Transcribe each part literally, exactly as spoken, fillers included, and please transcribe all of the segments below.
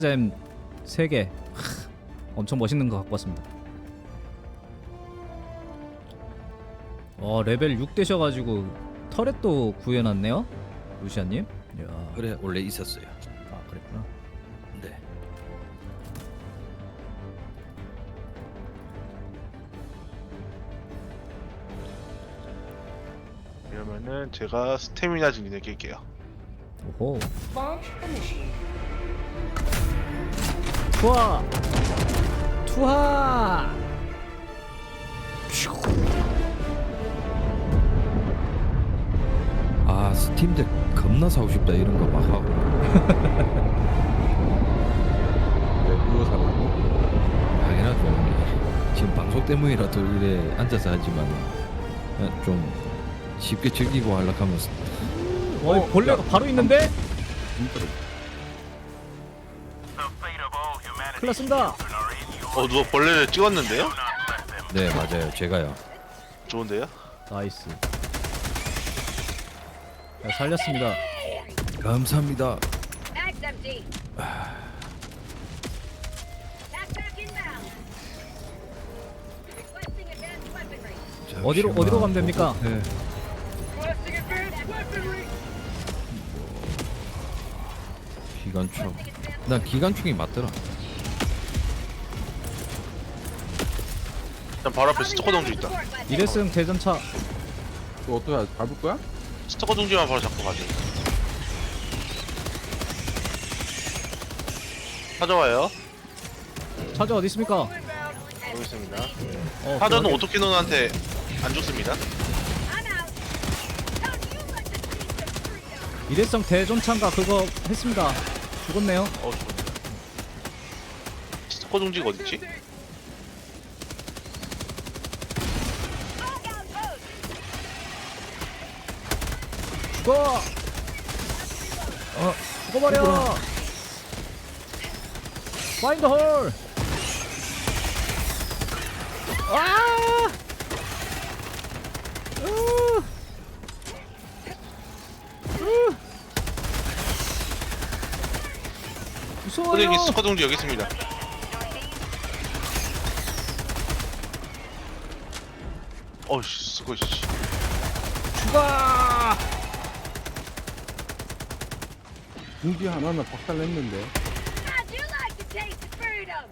잼 세 개. 엄청 멋있는 거 갖고 왔습니다. 어 레벨 육 되셔가지고 터렛도 구해놨네요 루시아님. 이야. 그래 원래 있었어요. 아 그랬구나. 네. 이러면은 제가 스태미나 증진을 낄게요. 오호. 투하 투하. 아 스팀덱 겁나 사고 싶다 이런 거 막 하고. 왜 그거 사라고? 당연하죠. 지금 방송 때문이라도 이래 앉아서 하지만 그냥 좀 쉽게 즐기고 하려고 하면 어 벌레가 바로 있는데? 큰일 났습니다. 어 누가 벌레를 찍었는데요? 네 맞아요 제가요. 좋은데요? 나이스. 자, 살렸습니다. 감사합니다. Mag's empty. Backpack inbound. Requesting advanced weaponry. 어디로- 잠시만. 어디로 가면 됩니까? 네. Requesting advanced weaponry. 기관총. 난 기관총이 맞더라. 일단 바로 앞에 스토커 동주 있다. 일회승 대전차. 또 어떻게 밟을 거야? 스토커 동주만 바로 잡고 가죠. 찾아와요. 차저 어디 있습니까? 여기 있습니다. 어, 사전은 저기. 오토캐논한테 안 죽습니다. I'm out. Don't you let the beast of freedom. 일회성 대전차인가 그거 했습니다. 죽었네요. 어 죽었네. 스토커 동지가 어딨지? Hog outpost. 죽어. 어 죽어버려. 파인드 홀. 아! 으! 으! 무서워요. 선생님 스토커 동지 여기 있습니다. 어이씨 스토커 씨. 죽어. 중지 하나는 박살냈는데. How'd you like to taste freedom?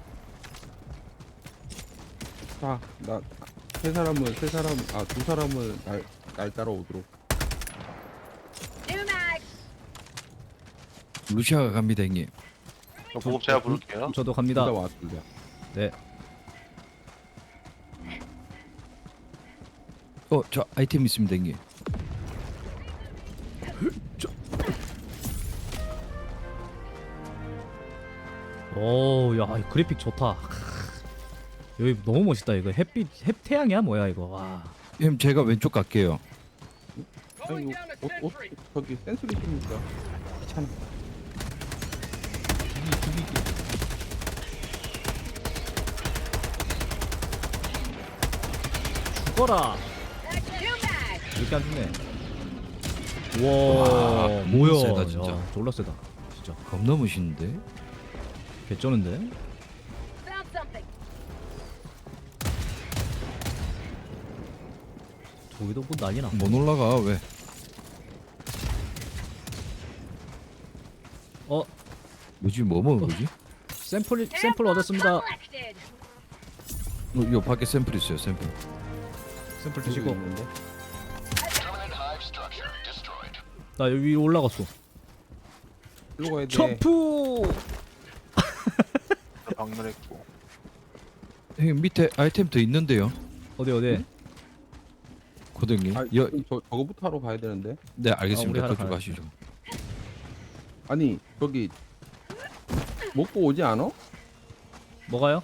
자, 나 세 사람을 세 사람 아 두 사람을 날, 날 따라오도록. New mag. 루시아가 갑니다 형님. 저 보급 제가 부를게요. 저도 둘다 갑니다. 왔습니다. 네. 어 저 아이템 있습니다 형님. 오, 야, 이 그래픽 좋다. 여기 너무 멋있다. 이거 햇빛, 햇 태양이야 뭐야 이거. 와. 형 제가 왼쪽 갈게요. 아니 이거 옷, 옷 저기 센스리 씁니까? 귀찮아. 죽어라. New mag. 이렇게 안 죽네. 우와, 와, 뭐야? 세다, 진짜. 야, 졸라 세다. 진짜 겁나 멋있는데? 개쩌는데. Found something. 저기도 뭐 난리 나. 못 올라가 왜? 어, 뭐지 뭐 먹은 거지? 샘플 샘플 얻었습니다. Collected. 어, 요 밖에 샘플 있어요 샘플. 샘플 저기 드시고. 있는데. 나 여기 위로 올라갔어. 일로 가야 돼. 점프. 박멸했고. 형님 밑에 아이템 더 있는데요. 어디 어디? 고등님. 아, 여, 저 저거부터 하러 가야 되는데. 네 아, 우리 알겠습니다. 하러 그쪽 가야지. 가시죠. 아니 저기 먹고 오지 않아? 뭐가요?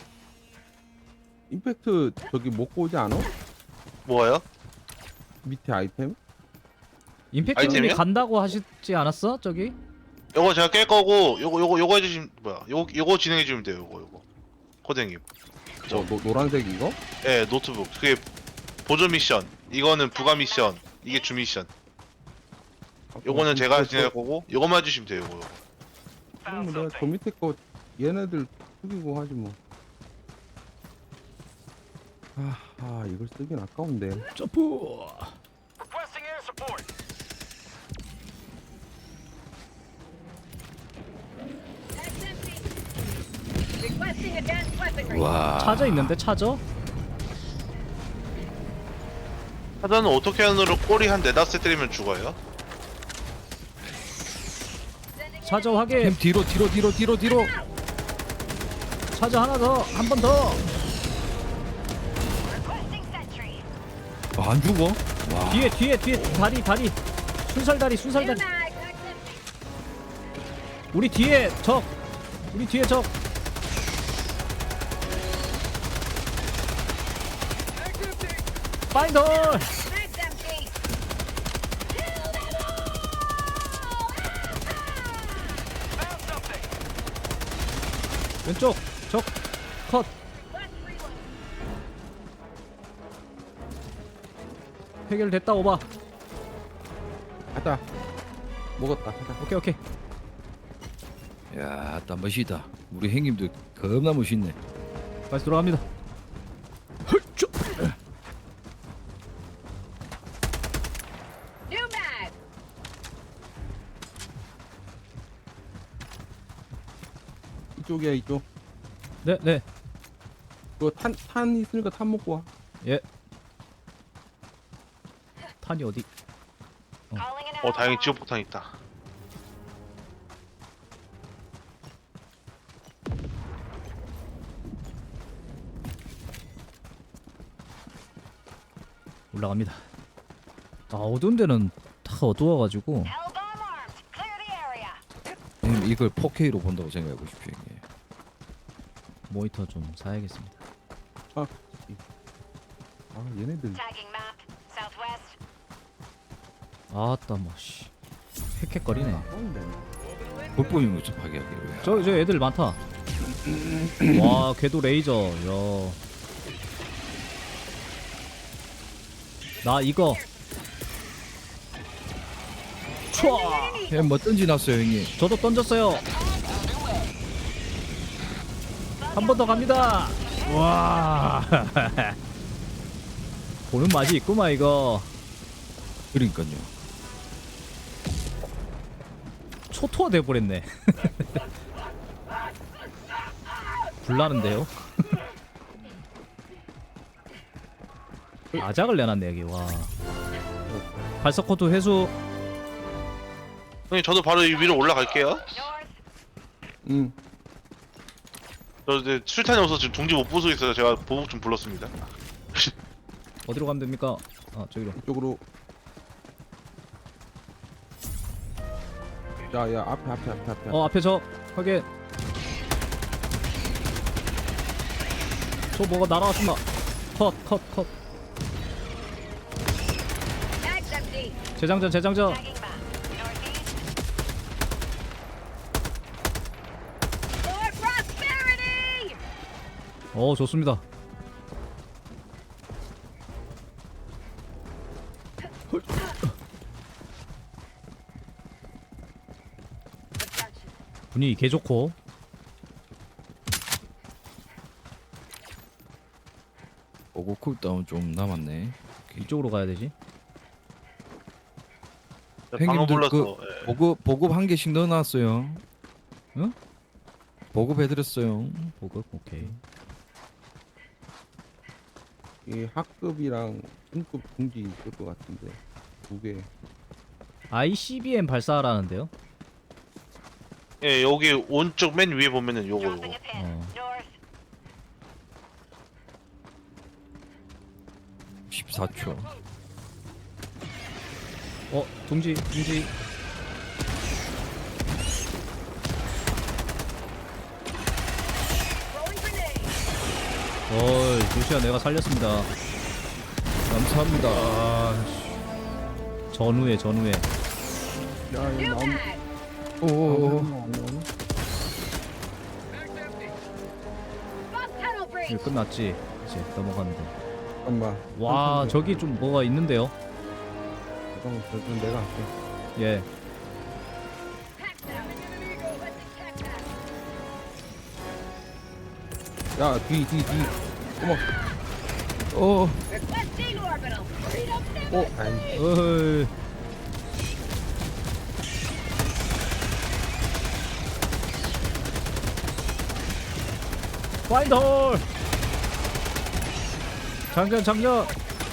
임팩트 저기 먹고 오지 않아? 뭐예요? 밑에 아이템? 임팩트님이 아이템이요? 간다고 하시지 않았어? 저기? 요거 제가 깰 거고 요거 요거 요거 해주시면 뭐야? 요거 요거 진행해 주면 돼요. 요거 요거. 코댕님. 저 노, 노란색 이거? 예 노트북. 그게 보조 미션. 이거는 부가 미션. 이게 주 미션. 요거는 제가 진행할 거고 요거만 해주시면 돼요. 요거 요거. 그럼 내가 저 밑에 거 얘네들 죽이고 하지 뭐. 아, 아 이걸 쓰긴 아까운데. 점프. Requesting air support. That's empty. Requesting advanced weaponry. 와. 차저 있는데 차저? 하자는 오토캔으로 꼬리 한 네다섯 때리면 죽어요. Sending 차저 확인. 햄 뒤로 뒤로 뒤로 뒤로 뒤로. 차저 하나 더. 한 번 더. requesting sentry. 아, 안 죽어? 와. 뒤에 뒤에 뒤에 다리 다리. 순살 다리 순살 New 다리. mag. That's empty. 우리 뒤에 적. 우리 뒤에 적. 파인더. Mag's empty. Kill them all! Found something. 왼쪽 적 컷. Request reload. 해결됐다 오바. 가자. 먹었다. 가자. 오케이 오케이. 야, 딱 멋있다. 우리 형님도 겁나 멋있네. 다시 돌아갑니다. 헐쭈. New mag. 이쪽이야 이쪽. 네 네. 그거 탄, 탄 있으니까 탄 먹고 와. 예. 탄이 어디? Calling an 어 다행히 ally. 지옥폭탄 있다. 올라갑니다. 아 어두운 데는 다 어두워가지고 L-bomb armed. Clear the area. 형님 이걸 포케이로 본다고 생각해 보십시오, 형님. 모니터 좀 사야겠습니다. 아 얘네들. Tagging map. Southwest. 아따 뭐 씨. 헥헥거리네. 아까운데. 불법인 것좀 파괴하기로. 저 저 애들 많다. 와 궤도 레이저. 야. 나 이거. 촤. 햄뭐 던지놨어요, 형님. 저도 던졌어요. 한 번 더 갑니다. 와. 보는 맛이 있구만 이거. 그러니까요. 초토화 돼버렸네. 불나는데요? 아작을 내놨네 여기. 와. 발석 코드 회수. 형님 저도 바로 이 위로 올라갈게요. North. 응. 저 이제 술탄이 없어서 지금 동지 못 부수고 있어서 제가 보복 좀 불렀습니다. 어디로 가면 됩니까? 아 저기로. 이쪽으로. 야야 앞에 앞에 앞에 앞에. 어 앞에 저 확인. 저 뭐가 날아왔습니다. 컷 컷 컷. Mag's empty. 재장전 재장전. Tagging map. Northeast. For prosperity. 어 좋습니다. Objection. 분위기 개 좋고. 오고 쿨다운 좀 남았네. 이쪽으로 가야 되지. 방어 형님들 불러서 그 예. 보급 보급 한 개씩 넣어놨어요. 응? 보급해드렸어요. 보급 오케이. 이 학급이랑 중급 중지 있을 것 같은데 두 개. 아이씨비엠 발사하라는데요. 예 여기 오른쪽 맨 위에 보면은 요거 요거. Dropping a pin. 어. North. 십사 초. 어 둥지 둥지. Throwing grenade. 어이 루시아 내가 살렸습니다. 감사합니다. 전후에 전후에. 야 New 이거 나온. mag. 오. Bus tunnel breach. 이거 끝났지. 이제 넘어가면 돼. 잠깐만. 와 저기 좀 뭐가 있는데요. 잠깐만 저좀 내가 할게. 예. Pack that. Let's attack that. 야, 뒤, 뒤, 뒤. 어머, 어 Requesting orbital. Freedom symbol. 어, 아이. 어이. 파인드 홀. 장전 장전.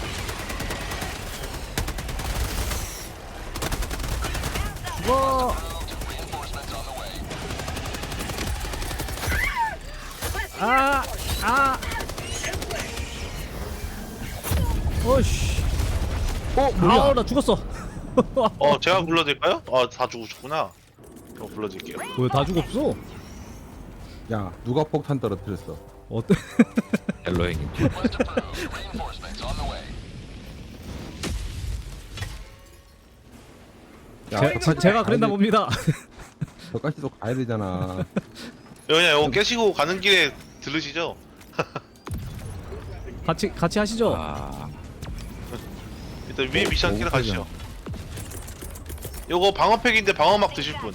죽어. 아, 아. 어이씨. 어, 뭐야? 아우, 나 죽었어. 어 제가 불러드릴까요? 아다 죽으셨구나. 제가 불러드릴게요. 왜 다 죽었어? 야, 누가 폭탄 떨어뜨렸어? 어때? 헬로 행님. 야, 제, 저까지 제가 가야 그랬나 돼- 봅니다. 저까지도 가야 되잖아. 그냥 이거 깨시고 가는 길에 들으시죠? 같이 같이 하시죠. 아 일단 위에 오, 미션 끼러 오, 가시죠. 요거 방어팩인데 방어막 드실 분.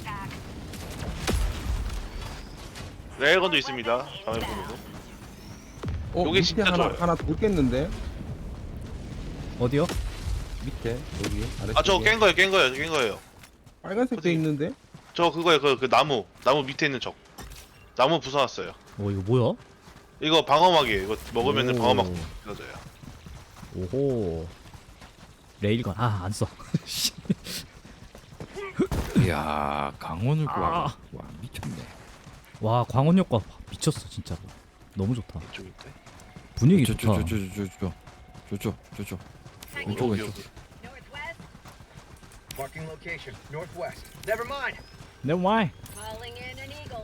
레일건도 있습니다. 방어팩으로. 어, 요게 밑에 진짜 하나, 좋아요. 하나 돌겠는데? 어디요? 밑에, 여기. 아래 아 저거 깬 거예요, 깬 거예요, 깬 거예요. 빨간색 돼 있는데? 저 그거예요, 그, 그 나무, 나무 밑에 있는 적. 나무 부숴놨어요. 어 이거 뭐야? 이거 방어막이에요. 이거 먹으면은 오. 방어막 부서져요. 오호. 레일건 아 안 써. 이야 강원을 아. 구하고 와 미쳤네. 와 광원 효과 미쳤어 진짜로. 너무 좋다. 이쪽인데. 분위기 좋다. 저저저저저저저 저저 저저 왼쪽 여기, 왼쪽. 여기. Northwest. Marking location. Northwest. Never mind. Never mind. Calling in an eagle.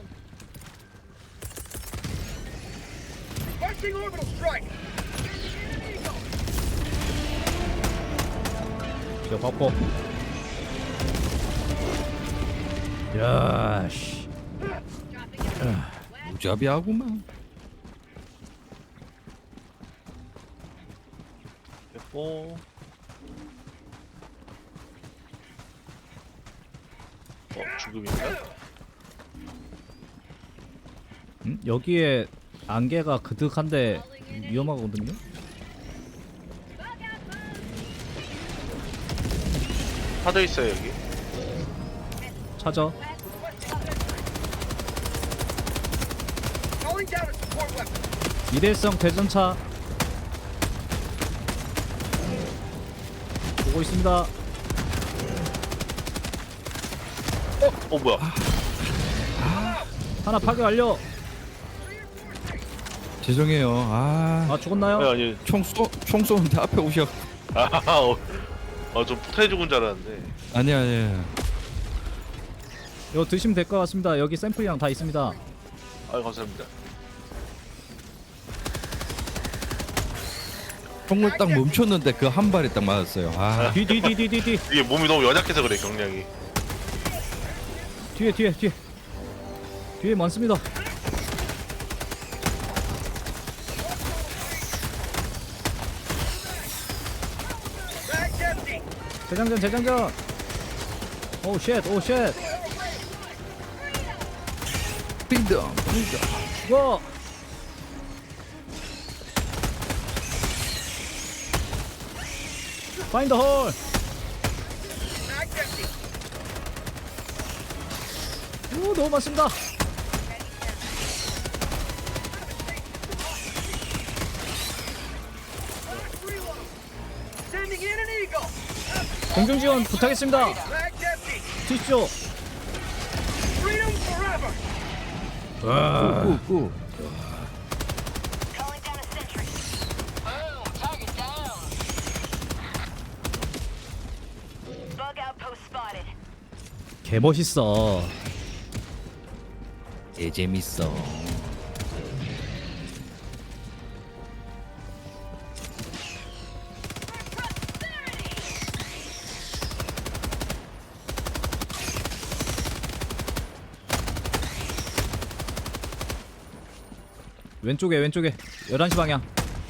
Requesting orbital strike. 저 바꿔. 야 씨. Dropping in. West. 무자비하구만. 됐고. 어 죽음인가? 음? 여기에 안개가 그득한데 위험하거든요. Bug out mode. 파도 있어요 여기. 찾아. Calling down a support weapon. 일회성 대전차 보고 있습니다. 어 뭐야? 하나 파괴 완료. 죄송해요. 아, 아 죽었나요? 아니 아니. 총 쏘, 총 쏘는데 앞에 오셔. 아, 어, 어, 좀 폭탄 죽은 줄 알았는데. 아니 아니. 이거 드시면 될 것 같습니다. 여기 샘플이랑 다 있습니다. 아, 감사합니다. 총을 딱 멈췄는데 그 한 발에 딱 맞았어요. 아, 뒤 뒤 뒤 뒤 뒤 뒤 이게 몸이 너무 연약해서 그래 경량이. 뒤에 뒤에 뒤에 뒤에 많습니다. Bag's empty. 재장전 재장전. 오 쉣, 오 쉣. 빙덤, 빙덤. 죽어. 파인드 홀. Bag's empty. 오 너무 많습니다. Sending in an eagle. 공중 지원 부탁했습니다. Bag's empty. 튀시죠. Freedom forever. 꾸, 꾸. Calling down a sentry. Boom. Target down. Bug outpost spotted. 개 멋있어. 개 재밌어. 왼쪽에 왼쪽에 열한 시 방향.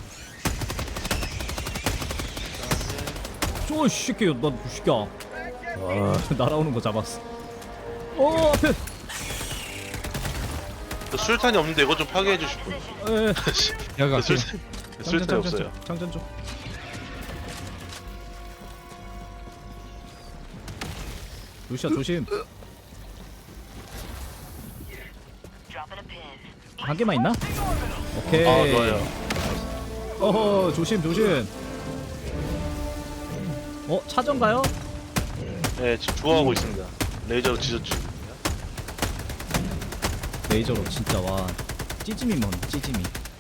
쪼 새끼야 너 새끼야. 아 날아오는 거 잡았어. 오 앞에. 저 술탄이 없는데 이거 좀 파괴해 주실 분. 에, 야가 술 장전, 술탄이 장전, 없어요. 장전 좀. 루시아 조심. 한 개만 있나? 오케이. 아 좋아요. 어허 조심 조심. 어 차전가요? 네 지금 좋아하고 있습니다. 레이저로 지졌죠. 레이저로 진짜 와 찌짐이 뭔 찌짐이.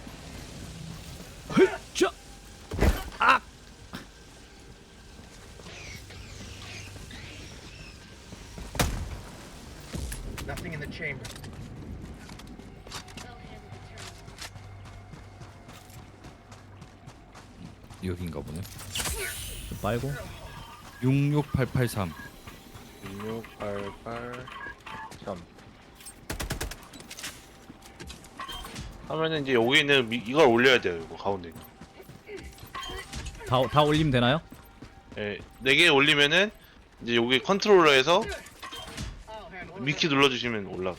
헐자. 아. Nothing in the chamber. 여긴가 보네. 좀 빨고. 육육팔팔삼. 육육팔팔 삼 하면은 이제 여기 있는 미, 이걸 올려야 돼요. 이거 가운데 있는. 다 다 올리면 되나요? 예, 네 개 올리면은 이제 여기 컨트롤러에서 I'll handle it. 미키 눌러주시면 올라.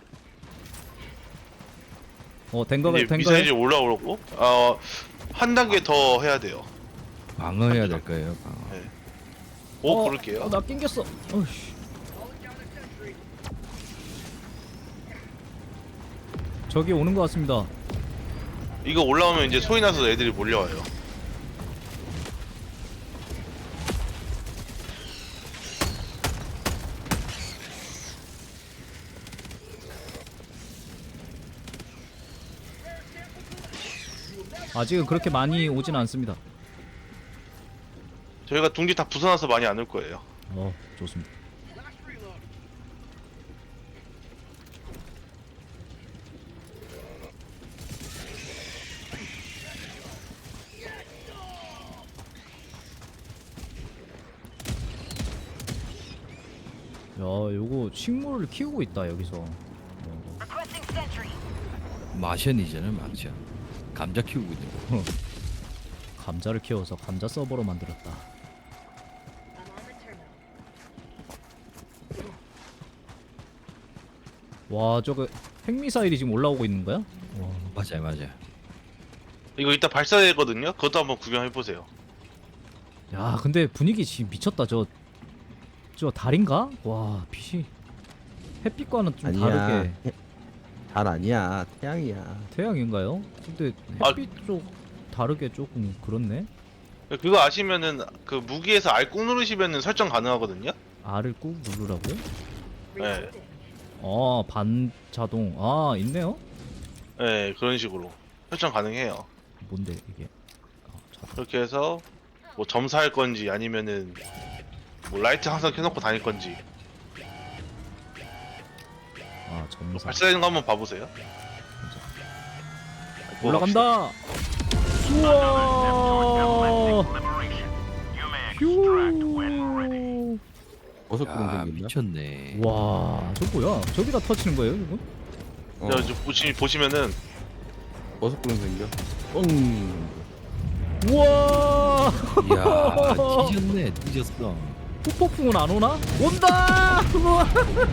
어된 거가 이제 된 미사일이 거예요? 올라오고, 어, 한 단계 더 해야 돼요. 방어해야 될 거예요. 방어. 오, 어, 그럴게요. 어, 나 낑겼어. 어이씨. 저기 오는 것 같습니다. 이거 올라오면 이제 소리 나서 애들이 몰려와요. 아직은 그렇게 많이 오진 않습니다. 저희가 둥지 다 부숴놔서 많이 안 올 거예요. 어 좋습니다. Last reload. 야 요거 식물을 키우고 있다 여기서. 어, Requesting sentry. 마션이잖아요, 마션. 감자 키우고 있는 거. 감자를 키워서 감자 서버로 만들었다. I'm on the terminal. 와 저거 핵미사일이 지금 올라오고 있는 거야? 와. 맞아요, 맞아요. 이거 이따 발사되거든요. 그것도 한번 구경해 보세요. 야 근데 분위기 지금 미쳤다. 저 저 달인가? 와 빛이 햇빛과는 좀 아니야. 다르게 해- 달 아니야. 태양이야. 태양인가요? 근데 아. 햇빛 쪽 다르게 조금 그렇네. 그거 아시면은 그 무기에서 알 꾹 누르시면은 설정 가능하거든요. R을 꾹 누르라고요? 네, 아 반자동 아 있네요. 네 그런 식으로 설정 가능해요. 뭔데 이게? 아, 자, 그렇게 해서 뭐 점사할 건지 아니면은 뭐 라이트 항상 켜놓고 다닐 건지 아 점사 발사되는 거 한번 봐보세요. 뭐 올라간다. 우와. 휴. 버섯 구름 야, 생긴다. 미쳤네. 와, 저 뭐야? 저기다 터치는 거예요, 이거? 어, 저, 저 보시, 보시면은 버섯 구름 생겨. 뻥. 우와. 야, 뒤졌네, 뒤졌어. 후폭풍은 안 오나? 온다. 우와.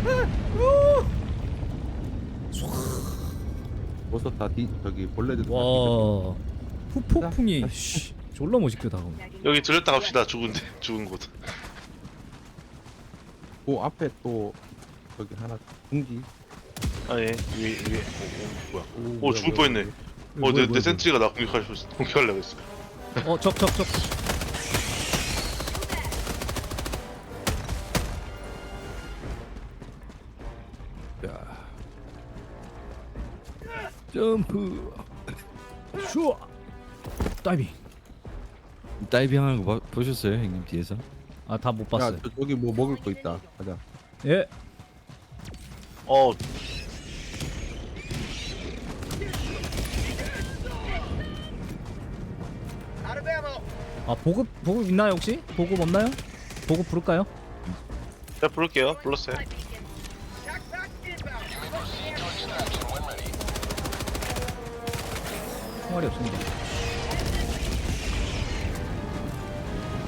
버섯 다 뒤, 저기 벌레들 다 와. 후폭풍이 씨, 졸라 멋있게 다가오네. 여기 들렸다 갑시다. 죽은데 죽은 곳. 그 앞에 또 저기 하나 둥지. 아 예, 위에 위에. 오, 오, 뭐야? 오, 오 뭐야, 죽을 뭐야, 뻔했네. 뭐야, 어, 내, 뭐야, 내 센트리가 나 공격할 공격하려고 했어. 어, 적, 적, 적. 야. 점프. 슈아. 다이빙. 다이빙하는 거 봐- 보셨어요, 형님 뒤에서? 아, 다 못 야, 봤어요. 저, 저기 뭐 먹을 거 있다. 가자. 예. 어, Out of ammo. 아, 보급 보급 있나요, 혹시? 보급 없나요? 보급 부를까요? 제가 부를게요. 불렀어요. Tac pack inbound. 총알이 없습니다.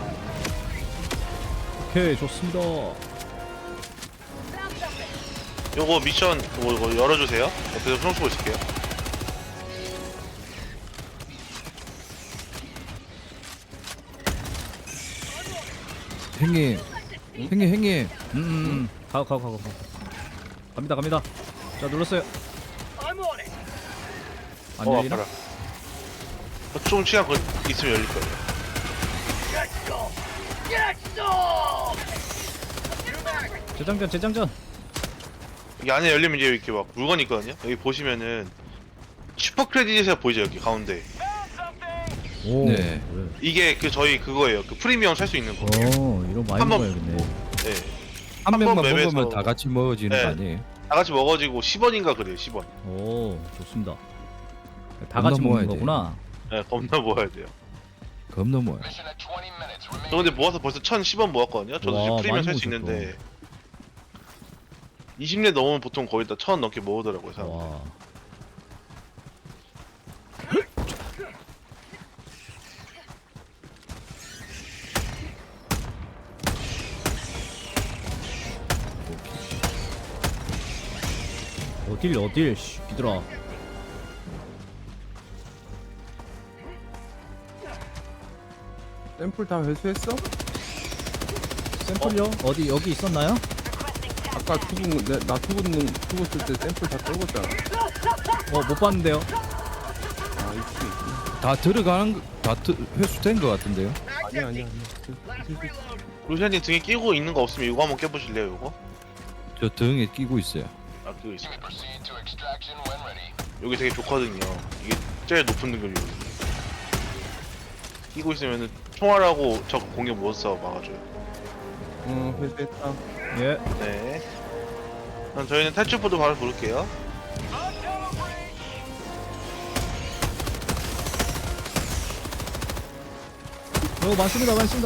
오케이, 좋습니다. Found something. 요거 미션 뭐 이거 열어주세요. 옆에서 손 쓰고 있을게요. 형님, 형님, 형님. 음, 음, 음. 가고 가고 가고 가고. 갑니다 갑니다. 자 눌렀어요. I'm on it. 안 어 열리나? 아파라. 어, 좀 시간 걸 있으면 열릴 거예요. Get some. Get some. New mag. 재장전 재장전. 여기 안에 열리면 이제 이렇게 막 물건이 있거든요. 여기 보시면은 슈퍼 크레딧에서 보이죠 여기 가운데. 오. 네. 그래. 이게 그 저희 그거예요. 그 프리미엄 살 수 있는 거. 어 이런 많이 한 번- 먹어야겠네. 네. 한 한 명만 번 맵에서- 먹으면 다 같이 먹어지는 네. 거 아니에요? 다 같이 먹어지고 십 원인가 그래요. 십 원. 오 좋습니다. 다 겁나 같이 모아야 먹는 돼. 거구나. 네, 겁나 모아야 돼요. 겁나 뭐야. 저 근데 모아서 벌써 천십 원 모았거든요. 저도 와, 지금 프리미엄 많이 살 수 모으셨다. 있는데 이십 년 넘으면 보통 거의 다 천 원 넘게 모으더라고요. 사람들. 와. 어딜 어딜 씨 비들아. 샘플 다 회수했어? 샘플요? 어? 디 여기 있었나요? 아까 죽은 거- 내, 나 죽은 죽었을 때 샘플 다 떨궜잖아. 어 못 봤는데요. 아 있지. 다 들어가는 거, 다 드, 회수된 거 같은데요? Mag's 아니야 empty. 아니야 아니야. Last reload. 루시아님 등에 끼고 있는 거 없으면 이거 한번 깨보실래요? 이거? 저 등에 끼고 있어요. 아 그거 있어요. 여기 되게 좋거든요. 이게 제일 높은 등급이거든요. 끼고 있으면은 총알하고 적 공격 못 써 막아줘요. 어 회수했다. 예. 네. 그럼 저희는 탈출포도 바로 부를게요. 어 많습니다 많습니다.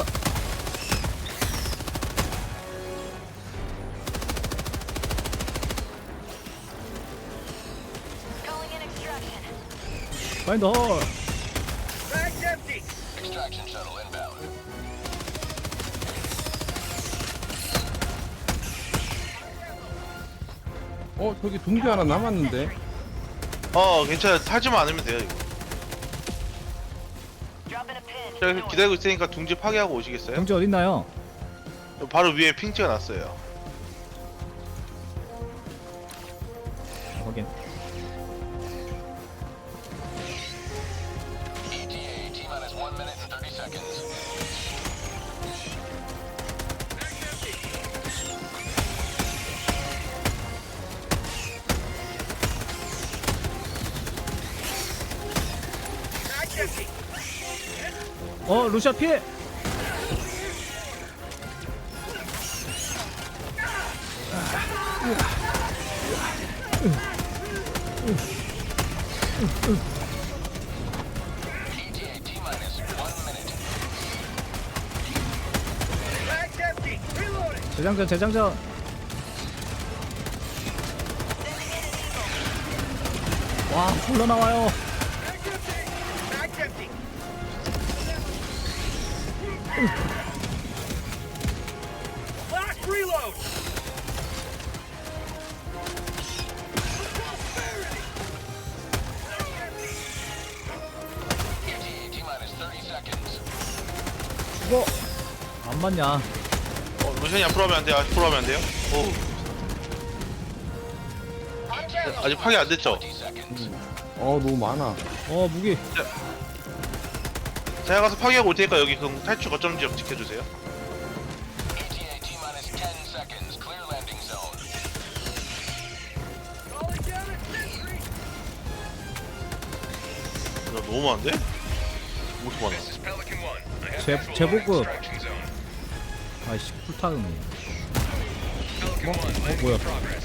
Calling in extraction. 파인드 홀. Mag's empty. 어 저기 동지 하나 남았는데. 어 괜찮아요. 타지만 않으면 돼요 이거. Dropping a pin. 제가 여기서 기다리고 있으니까 둥지 파괴하고 오시겠어요? 경지 어딨나요? 바로 위에 핑 찍어놨어요. 확인. Mag's empty. 어 루시아 피해. Mag's empty. Reloading. 재장전 재장전. 와 불러 나와요. Mag's empty. Mag's empty. Last reload. 죽어. 안 맞냐? 어, 루시안이 앞으로 하면 안 돼요. 앞으로 하면 안 돼요. 오, 아직 파괴 안 됐죠? 어 너무 많아. 어 무기. 제가 가서 파괴하고 올 테니까 여기 그 탈출 거점 지역 지켜주세요. Calling down a sentry. 야, 너무 많은데? 오십 많아. 제 제복급. 아이씨 풀타임이. 뭐? 어 뭐야?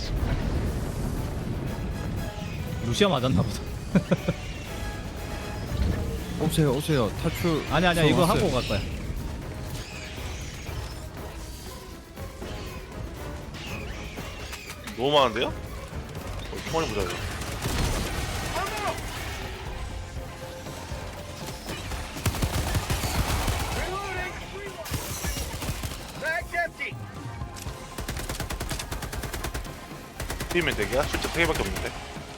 루시아 맞았나 보다. 오세요, 오세요. 탈출. 아니 아니야 이거 왔어요. 하고 갈 거야. 너무 많은데요? 어, 총알이 보자. 이거. Reloading. Mag's empty. 뛰면 되게야? 숫자 세 개밖에 없는데.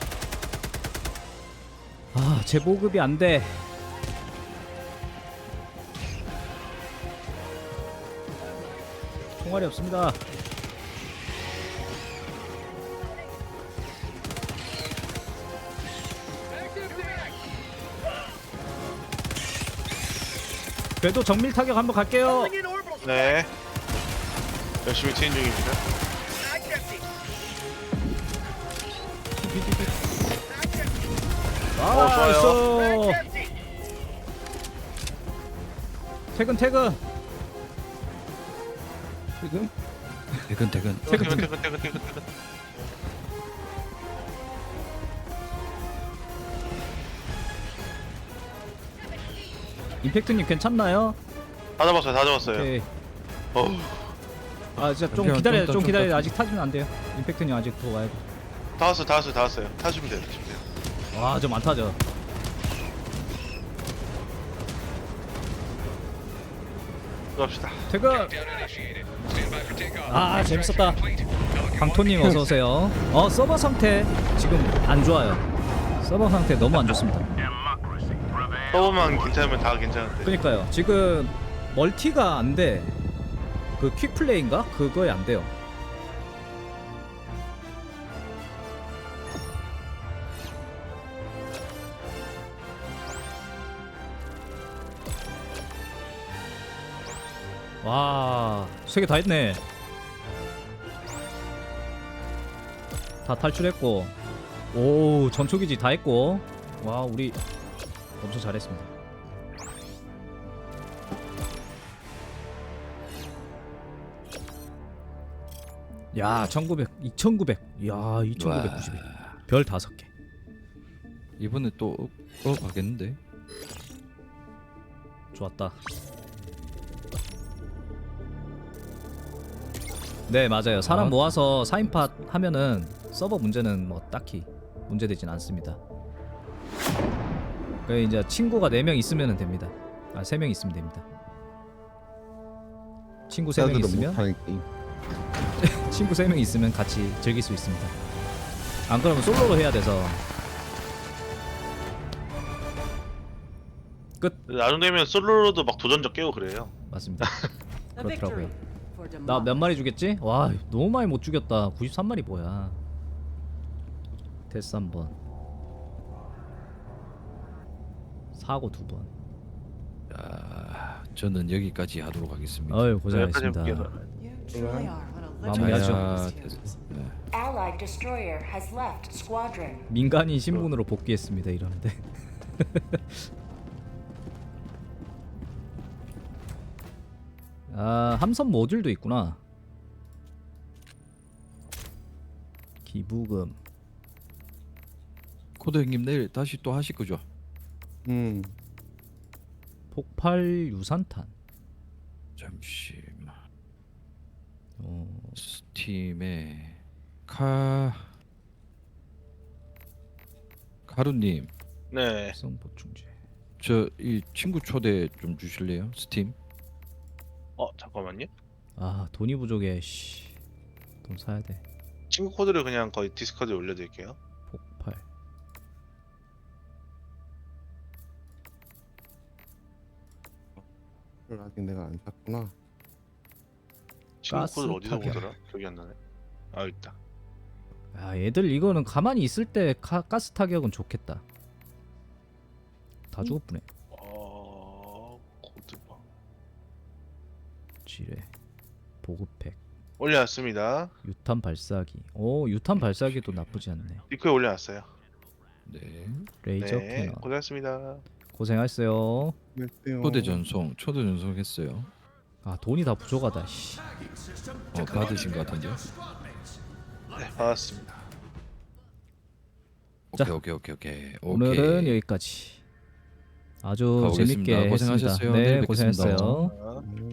아, 제 보급이 안 돼. 총알이 없습니다. 그래도 정밀 타격 한번 갈게요. Calling in orbital 네. 열심히 트인 중입니다. mag empty. Mag empty. 어, 좋아요. Mag 나이스. empty. 퇴근 퇴근. 지금? 퇴근 퇴근. 퇴근 퇴근 퇴근 퇴근 퇴근. 임팩트님 괜찮나요? 다 잡았어요. 다 잡았어요. 오케이. 어. 아 진짜 좀 잠시만, 기다려, 좀 좀 더, 기다려. 좀 더. 아직 타주면 안 돼요. 임팩트님 아직 더 와야 돼. 다 왔어요. 다 왔어요. 다 왔어요. 타시면 돼요. 타시면 돼요. 와, 저 많다 저. 들어갑시다. 퇴근. 아, 재밌었다. 강토님 어서 오세요. 어, 서버 상태 지금 안 좋아요. 서버 상태 너무 안 좋습니다. 서버만 괜찮으면 다 괜찮은데. 그러니까요. 지금 멀티가 안 돼. 그 퀵플레이인가? 그거에 안 돼요. 와, 세 개 다 했네. 다 탈출했고, 오, 전초기지 다 했고, 와, 우리 엄청 잘했습니다. 야, 천구백, 이천구백, 야, 이천구백구십일, 별 다섯 개. 이번에 또 업, 업 하겠는데? 좋았다. 네, 맞아요. 사람 아. 모아서 사 인팟 하면은 서버 문제는 뭐 딱히 문제되진 않습니다. 그 이제 친구가 네 명 있으면 됩니다. 아, 세 명 있으면 됩니다. 친구 세 명 사람들은 있으면 못하는 게임. 친구 세 명 있으면 같이 즐길 수 있습니다. 안 그러면 솔로로 해야 돼서. 끝. 나중 되면 솔로로도 막 도전적 깨고 그래요. 맞습니다. A victory 그렇더라고요. for 나 몇 democracy. 마리 죽였지? 와, 너무 많이 못 죽였다. 구십삼 마리 뭐야. 데스 한 번. 사고 두 번. 아, 저는 여기까지 하도록 하겠습니다. 어휴, 여기까지 고생하셨습니다. 해볼게요. You truly are what a 마무리하죠. legend 자야, is. 네. Allied destroyer has left squadron. 민간인 신분으로 복귀했습니다. 이러는데. 아, 함선 모듈도 있구나. 기부금. 코드 형님 내일 다시 또 하실 거죠? 음. 폭발 유산탄. 잠시만. 어, 스팀에 카 가루님, 네. 특성 보충제. 저 이 친구 초대 좀 주실래요? 스팀? 어 잠깐만요. 아, 돈이 부족해. 씨. 돈 사야 돼. 친구 코드를 그냥 거의 디스코드에 올려드릴게요. 폭발. 그걸 아직 내가 안 샀구나. 친구 가스 코드를 어디서 타격. 보더라? 기억이 안 나네. 아 있다. 아, 얘들 이거는 가만히 있을 때 가, 가스 타격은 좋겠다. 다 죽었구네. 어 코드방 지뢰. 보급팩. 올려놨습니다. 유탄 발사기. 오, 유탄 발사기도 나쁘지 않네. 리코에 올려놨어요. 네. 레이저 네. 캐논. 고생했습니다. 고생하셨어요. 글쎄요. 초대 전송, 초대 전송했어요. 아, 돈이 다 부족하다. 씨. 어, 받으신 것 같은데요? 네 받았습니다. 자, 오케이, 오케이, 오케이, 오케이. 오늘은 오케이. 여기까지. 아주 가보겠습니다. 재밌게 고생하셨어요. 했습니다. 내일 네, 뵙겠습니다. 고생했어요. 자, 음.